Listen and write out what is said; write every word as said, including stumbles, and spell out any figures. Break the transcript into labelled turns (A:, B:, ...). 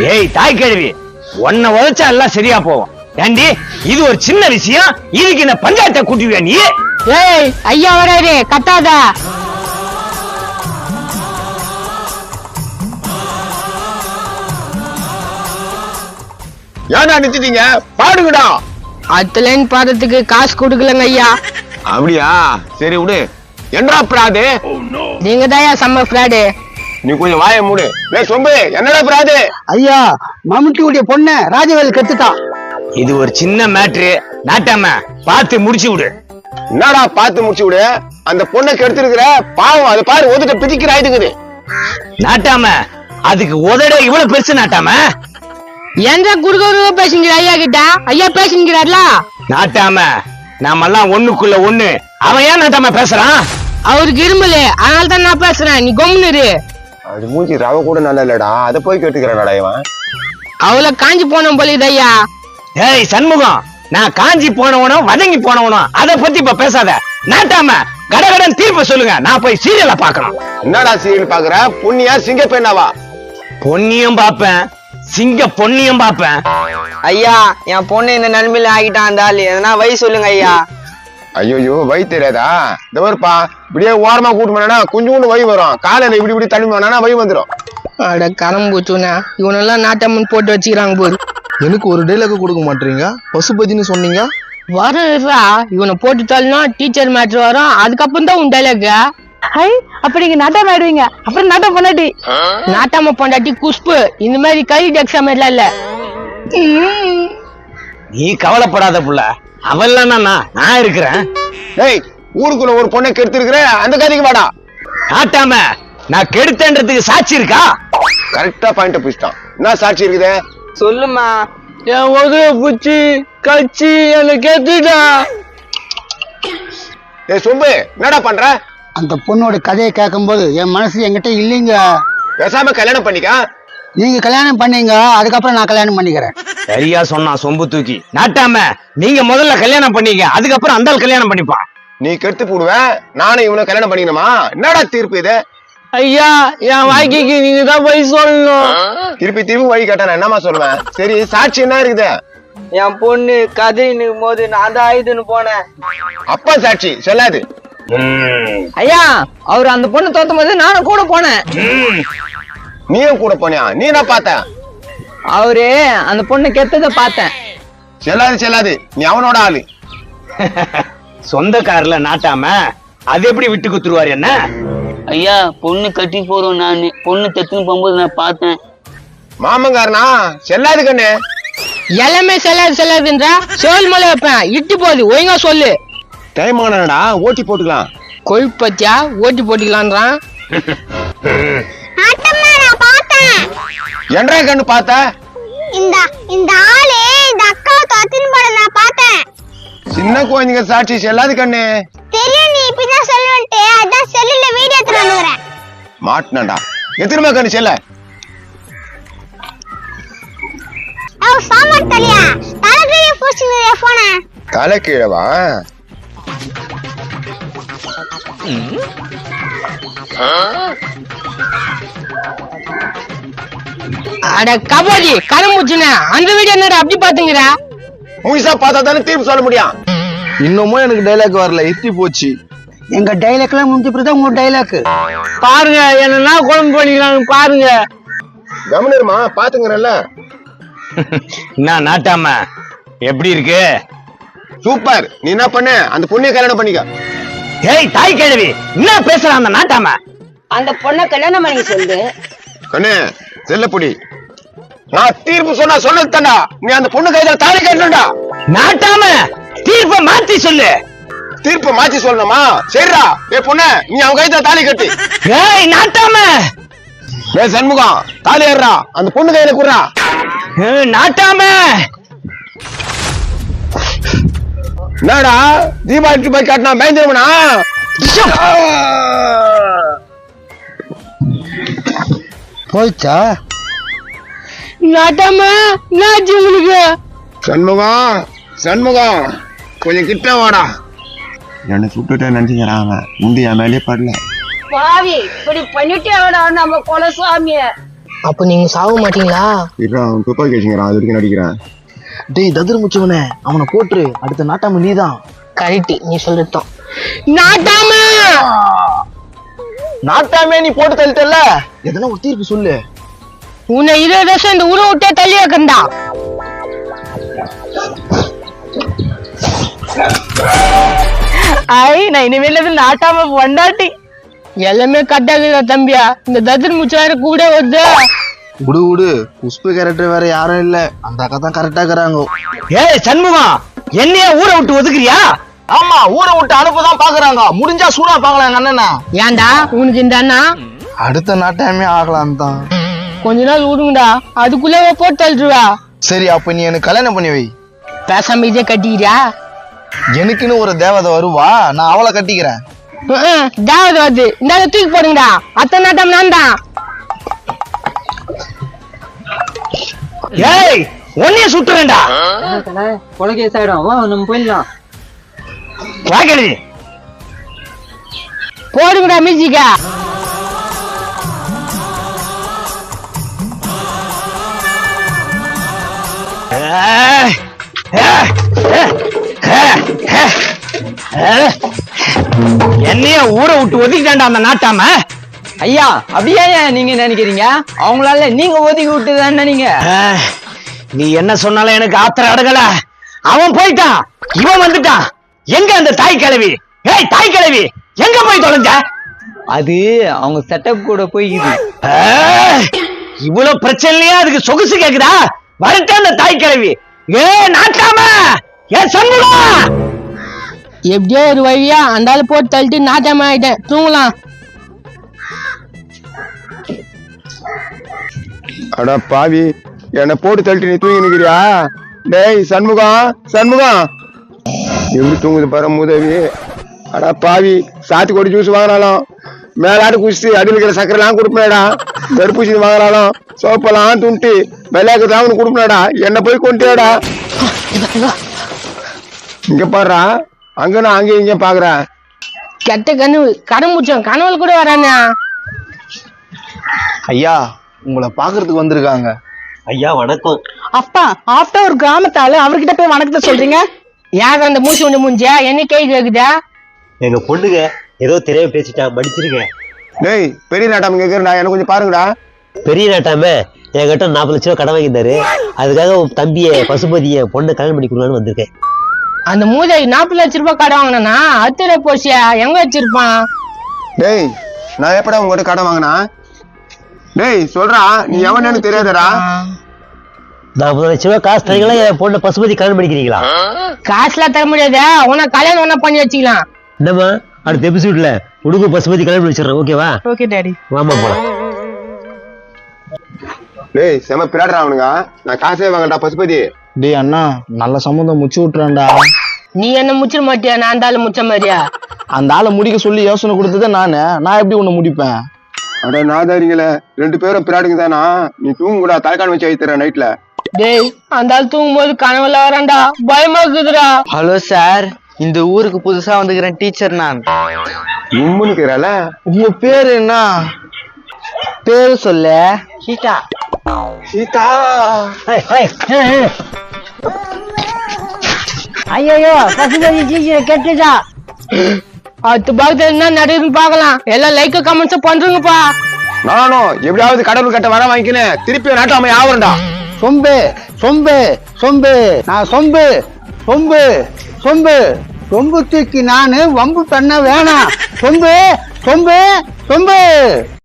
A: ஏய் தாய் கேள்வி, உன்னை உழைச்சா எல்லாம் சரியா போவோம். ஏண்டி இது ஒரு சின்ன விஷயம், இதுக்கு என்ன பஞ்சாயத்தை கூட்டுவியா நீ?
B: ஏய் ஐயா வராரு, கத்தாத.
C: ஏன்னா நிறுத்திட்டீங்க, பாடுங்கடா.
B: அடுத்த லைன் பாடுறதுக்கு காசு கொடுக்கலங்க ஐயா.
C: அப்படியா, சரி விடு. என்னடா பிராது?
B: நீங்க தான் செம்ம பிராடு.
C: நீ கொஞ்சம் வாய மூடு. ஏய் சொம்பு, என்னடா பிராது?
D: ஐயா, மம்முட்டியுடைய பொண்ணு ராஜவேல் கத்துட்டான்.
A: இது ஒரு சின்ன மேட்ரு, நாட்டாம பார்த்து முடிச்சு விடு.
C: என்னடா பார்த்து முடிச்சு விடு? அந்த பொண்ணை கெடுத்திருக்கிற பாவம், அது பாரு ஒதுட்ட பிதிக்கிற ஆயிடுக்குது.
A: நாட்டாம அதுக்கு உதட இவ்வளவு பெருசு. நாட்டாம
B: என்ற குடுக்க பேசுங்கிற ஐயா கிட்ட, ஐயா பேசுங்கிறார்ல.
A: நாட்டாம நாமெல்லாம் ஒண்ணுக்குள்ள ஒண்ணு, அவன் ஏன் நாட்டாம பேசுறான்?
B: அவருக்கு இருமல, அதனால தான் நான் பேசுறேன். நீ கொம்முனு.
C: அது மூஞ்சி ரவ கூட நல்லா இல்லடா, அதை போய் கேட்டுக்கிறானடா இவன்.
B: அவளை காஞ்சி போன போலிது ஐயா.
A: ஏய் சண்முகம், நான் காஞ்சி போனவனும் வதங்கி போனவனும் அதை பத்தி இப்ப பேசாத. நாட்டாம கடகடன் தீர்ப்பு சொல்லுங்க, நான் போய் சீரியலை பாக்கணும்.
C: என்னடா சீரியல் பாக்குற? புண்ணியா சிங்க பெண்ணாவா?
A: பொன்னியும் பாப்பேன், சிங்க பொன்னியும் பாப்பேன்.
E: ஐயா, என் பொண்ணு இந்த நன்மையில ஆகிட்டான். அந்த ஆளு எதனா வழி சொல்லுங்க ஐயா.
C: ஐயோ வழி தெரியாதா? இந்த வருப்பா, இப்படியே ஓரமா கூட்டு போனா கொஞ்சோண்டு வழி வரும். காலையில இப்படி இப்படி தண்ணி போனா வழி வந்துடும்.
B: அட கரம்பூச்சுனா, இவனெல்லாம் நாட்டம்மன் போட்டு வச்சுக்கிறாங்க போது.
F: எனக்கு ஒரு டைலாக் கொடுக்க மாட்டீங்க? பசுபதினு சொன்னீங்க.
B: வரா இவனை போட்டுட்டாலும்னா டீச்சர் மேட்ரு வரும், அதுக்கப்புறம் தான் உன் டைலாக். ஹை, அப்ப நீங்க நாட்டம் ஆயிடுவீங்க. அப்புறம் நாட்டம் பொண்டாட்டி, நாட்டாம பொண்டாட்டி குஷ்பு. இந்த மாதிரி கை எக்ஸாம் எல்லாம் இல்ல.
A: நீ கவலைப்படாத புள்ள, அவெல்லாம் நான் இருக்கிறேன்.
C: ஏய், ஊருக்குள்ள ஒரு பொண்ணை கெடுத்திருக்கிற, அந்த கதைக்கு வாடா.
A: நாட்டாம நான் கெடுத்தன்றதுக்கு சாட்சி இருக்கா?
C: கரெக்டா பாயிண்ட் பிடிச்சிட்டான். என்ன சாட்சி இருக்குது?
E: சொல்லுமா.
B: என் உதவ பூச்சி கட்சி எனக்கு கேட்டுட்டா.
C: ஏய் சொம்பு, என்னடா பண்ற?
D: அந்த பொண்ணோட கதையை கேட்கும் போது என் மனசு என்கிட்ட இல்லைங்க.
C: பேசாம கல்யாணம் பண்ணிக்க.
D: நீங்க கல்யாணம் பண்ணீங்க, அதுக்கப்புறம் நான் கல்யாணம் பண்ணிக்கிறேன்.
A: சரியா சொன்னா சொம்பு தூக்கி. நாட்டாம நீங்க முதல்ல கல்யாணம் பண்ணீங்க, அதுக்கப்புறம் அந்த கல்யாணம் பண்ணிப்பான்.
C: நீ கெடுத்து போடுவேன், நானும் இவனை கல்யாணம் பண்ணிக்கணுமா? என்னடா தீர்ப்பு இது?
B: ஐயா, என் வாழ்க்கைக்கு நீங்க தான் போய் சொல்லணும்.
C: திருப்பி திருப்பி வழி கேட்டா என்னமா சொல்லுவேன்? சரி, சாட்சி என்ன இருக்குது?
E: என் பொண்ணு கதைன்னு போது நான் தான் ஆயுதுன்னு போனேன்.
C: அப்பா சாட்சி சொல்லாது.
E: ஐயா, அவர் அந்த பொண்ணு தோத்தும் போது நானும் கூட போனேன்.
C: நீயும் கூட போனியா? நீ என்ன பார்த்த?
E: அவரு அந்த பொண்ணு கெட்டத பார்த்தேன்.
C: செல்லாது செல்லாது, நீ அவனோட ஆளு.
A: சொந்தக்காரல நாட்டாம அது எப்படி விட்டு குத்துருவாரு என்ன?
G: ஐயா, பொண்ணு கட்டி போறோம். நான் பொண்ணு தெத்துன்னு போகும்போது நான் பார்த்தேன்.
C: மாமங்காரனா? செல்லாது கண்ணு.
B: எல்லாமே செல்லாது செல்லாதுன்றா. சோல் மலை வைப்பேன், இட்டு போகுது. ஒழுங்கா சொல்லு.
C: டைம் ஆனடா, ஓட்டி போட்டுக்கலாம்.
B: கொழுப்பத்தியா ஓட்டி போட்டுக்கலான்றான்.
C: என்றா கண்ணு பார்த்த?
H: இந்த இந்த ஆளு இந்த அக்கா தத்தின் பட நான் பார்த்தேன்.
C: சின்ன குழந்தைங்க சாட்சி செல்லாது கண்ணு.
H: தெரியும், நீ இப்பதான் சொல்லுன்ட்டு அதான் செல்லுல வீடியோ எடுத்து வந்துறேன்.
C: மாட்டனடா. எத்திரமா கண்ணு செல்ல?
H: ஓ சாமர் தலியா, தலைகீழ போச்சுங்க போன்.
C: தலை கீழவா?
B: அட கபாடி கரம்புச்சுனா, அந்த வீடியோ என்னடா அப்படி பாத்துங்கடா?
C: முழுசா பார்த்தா தானே தீர்ப்பு சொல்ல முடியும்.
F: இன்னமும் எனக்கு டைலாக் வரல, எத்தி போச்சு.
D: எங்க டைலாக் எல்லாம் முடிஞ்ச பிறகு உங்க டைலாக்
B: பாருங்க, என்னன்னா குழம்பு பண்ணிக்கிறாங்க பாருங்க.
C: கவனிருமா, பாத்துங்கறல்ல.
A: நான் நாட்டாம எப்படி இருக்கு?
C: சூப்பர். நீ என்ன பண்ண? அந்த பொண்ணைய கல்யாணம் பண்ணிக்க.
A: ஏய் தாய் கேள்வி, என்ன பேசுறான் அந்த நாட்டாம?
I: அந்த பொண்ணை கல்யாணம் பண்ணி சொல்லு.
C: கண்ணு செல்லப்பொடி, நான் தீர்ப்பு சொன்னா சொன்னது தாண்டா. நீ அந்த பொண்ணு கையில தாலி கட்டணும்டா.
A: நாட்டாம தீர்ப்பை மாத்தி சொல்லு.
C: தீர்ப்பு மாத்தி சொல்லணுமா? சரிடா. ஏ பொண்ணு, நீ அவன் கையில தாலி கட்டு.
A: ஏய் நாட்டாம.
C: ஏ சண்முகம், தாலி ஏறா, அந்த பொண்ணு கையில குடுறா.
A: நாட்டாம
C: என்னடா தீபாவளி போய் காட்டினா பயந்துருவனா?
D: போயிச்சா?
B: நாட்டாம நாச்சு உங்களுக்கு.
C: சண்முகம், சண்முகம் கொஞ்சம் கிட்ட வாடா. என்ன சுட்டுட்டேன் நினைச்சுக்கிறான் அவன். முந்தி என் மேலே படல.
I: பாவி, இப்படி பண்ணிட்டே நம்ம குலசாமிய.
B: அப்ப நீங்க சாக மாட்டீங்களா?
C: இருடா, அவன் துப்பாக்கி வச்சுக்கிறான், அது வரைக்கும் நடிக்கிறேன்.
F: டேய் ததிர் முச்சவனே, அவனை போட்டுரு. அடுத்த நாட்டாம நீதான்.
B: கரெக்ட், நீ சொல்லிட்டோம். நாட்டாம
F: நாட்டாமே நீ போட்டு தள்ளிட்டல, எதனா ஒரு தீர்ப்பு சொல்லு.
B: உன்னை இருபது வருஷம் இந்த ஊரை விட்டே தள்ளி வைக்கண்டா. ஐ நான் இனிமேல நாட்டாம பொண்டாட்டி. எல்லாமே கட்டாக்குதா தம்பியா, இந்த ததிர் முச்சாரு கூட வருது.
F: விடு விடு, புஷ்பு கேரக்டர் வேற யாரும் இல்ல, அந்த அக்கா தான் கரெக்டா இருக்கிறாங்க.
A: ஏய் சண்முகம், என்னைய ஊரை விட்டு ஒதுக்குறியா?
F: ஆமா, ஊரை விட்டு அனுப்பதான் பாக்குறாங்க. முடிஞ்சா சூடா பாக்கலாம் எங்க அண்ணனா.
B: ஏன்டா உனக்கு இந்த அண்ணா?
F: அடுத்த நாட்டாமே ஆகலாம் தான்.
B: கொஞ்ச நாள் விடுங்கடா, அதுக்குள்ளே போட்டு தள்ளுவா.
F: சரி, அப்ப நீ எனக்கு கல்யாணம் பண்ணி வை.
B: பேசாம இதே கட்டிக்கிறியா?
F: எனக்குன்னு ஒரு தேவதை வருவா, நான் அவளை கட்டிக்கிறேன்.
B: தேவதை வருது, இந்த தூக்கி போடுங்கடா. அத்தனை நாட்டம் நான் தான்.
A: ஏய் உன்னைய சுட்டுறேன்டா.
E: கொலைகேஸ் ஆயிடும், வா நம்ம போயிடலாம்.
A: வாங்கடி
B: போடுங்கடா மியூசிக்கா.
A: என்னைய ஊரை விட்டு ஒதுக்கிட்டான்டா அந்த நாட்டாம.
E: ஐயா அப்படியே நீங்க நினைக்கிறீங்க? அவங்களால நீங்க ஒதுக்கி விட்டுதானே நீங்க.
A: நீ என்ன சொன்னாலும் எனக்கு ஆத்திரம் அடங்கல. அவன் போயிட்டான், இவன் வந்துட்டான். எங்க அந்த தாய் கிழவி? ஏய் தாய் கிழவி, எங்க போய் தொலைஞ்ச?
E: அது அவங்க செட்டப் கூட போய்க்குது.
A: இவ்வளவு பிரச்சனையா அதுக்கு சொகுசு கேக்குதா? வரட்ட அந்த தாய் கிழவி. ஏ நாட்டாம, ஏ சண்முகம்.
B: எப்படியோ ஒரு வழியா அந்த ஆளு போட்டு தள்ளிட்டு நாட்டாம ஆயிட்டேன். தூங்கலாம்.
C: அடா பாவி, என்ன போட்டு தள்ளிட்டு நீ தூங்கி நிக்கிறியா? டேய் சண்முகம், சண்முகம் எப்படி தூங்குது பாரு மூதேவி. அடா பாவி, சாத்து கொடி ஜூஸ் வாங்கினாலும் மேலாடு குடிச்சு அடியில் இருக்கிற சக்கரை எல்லாம் கொடுப்பேடா. தடுப்பூசி வாங்கினாலும் சோப்பெல்லாம் துண்டு வெள்ளையாக்கிறதா உனக்கு கொடுப்பேடா. என்ன போய் கொண்டேடா. இங்க பாடுறா, அங்க நான் அங்கே இங்க பாக்குறேன்.
B: கெட்ட கனவு கடமுச்சோம், கனவுல கூட வரானே.
F: ஐயா, உங்களை பாக்குறதுக்கு வந்திருக்காங்க.
J: ஐயா வணக்கம்.
B: அப்பா ஆஃப்டர் ஒரு கிராமத்தால அவர்கிட்ட போய் வணக்கத்தை சொல்றீங்க? யார் அந்த மூச்சு ஒண்ணு மூஞ்சியா? என்ன கேள்வி கேக்குதா?
J: எங்க பொண்ணுங்க ஏதோ தெரியாம பேசிட்டா, மன்னிச்சிருக்கேன்.
C: டேய் பெரிய நாட்டாம கேக்குறா, எனக்கு கொஞ்சம் பாருங்கடா.
J: பெரிய நாட்டாம என்கிட்ட நாற்பது லட்சம் ரூபாய் கடன் வாங்கியிருந்தாரு. அதுக்காக உன் தம்பிய பசுபதிய பொண்ணை கல்யாணம் பண்ணி கொடுக்கலான்னு வந்திருக்கேன்.
B: அந்த மூதை நாற்பது லட்சம் ரூபாய் கடன் வாங்கினா அத்திர போச்சியா எங்க வச்சிருப்பான்?
C: டேய் நான் எப்படா உங்ககிட்ட கடன் வாங்கினா? டேய் சொல்றா, நீ எவன்னு எனக்கு தெரியாதடா.
J: நாற்பது லட்சம் ரூபாய் காசு தரீங்களா? என் பொண்ணை பசுபதி கல்யாணம் பண்ணிக்கிறீங்களா?
B: காசுலாம் தர முடியாதா? உன கல்யாணம் ஒண்ணா பண்ணி வச்சுக்கலாம்.
J: என்னம்மா, அடுத்த எபிசோட்ல உடுக்கு பசுபதி கல்யாணம் பண்ணி வச்சிடறேன். ஓகேவா?
B: Okay daddy.
J: வாமா போலாம்.
C: டேய் செம பிராடுறா அவனுங்க. நான் காசே வாங்கடா பசுபதி.
F: டேய் அண்ணா, நல்ல சம்மந்தம் முச்சு விட்டுறான்டா.
B: நீ என்ன முச்சிட மாட்டியா? நான் அந்த ஆளு முச்ச மாதிரியா?
F: அந்த ஆளை முடிக்க சொல்லி யோசனை கொடுத்ததே நானு. நான் எப்படி உன்னை முடிப்பேன்?
C: அட நாதாரிங்களே, ரெண்டு பேரும் பிராடுங்க தானா? நீ தூங்க கூட தலைக்கான வச்சு வைத்துறேன் நைட்ல.
B: டேய் அந்த ஆள் தூங்கும் போது கனவுல வரான்டா, பயமா இருக்குதுடா.
E: ஹலோ சார், இந்த ஊருக்கு புதுசா வந்துக்கிறேன் டீச்சர் நான்.
C: உம்முன்னுக்குறால.
F: உங்க பேரு என்ன?
E: பேரு சொல்ல.
B: சீதா.
C: சீதா.
B: ஐயோ பசுபதி டீச்சர் கெட்டுதா. அடுத்த பாகத்துல என்ன நடக்குதுன்னு பாக்கலாம். எல்லாம் லைக் கமெண்ட்ஸ் பண்றீங்கப்பா.
C: நானும் எப்படியாவது கடவுள் கட்ட வர வாங்கிக்கினேன், திருப்பி நாட்டாம ஆவறேன்டா.
D: சொம்பு சொம்பு சொம்பு, நான் சொம்பு சொம்பு சொம்பு சொம்பு தூக்கி நானு வம்பு பண்ண வேணாம். சொம்பு சொம்பு சொம்பு.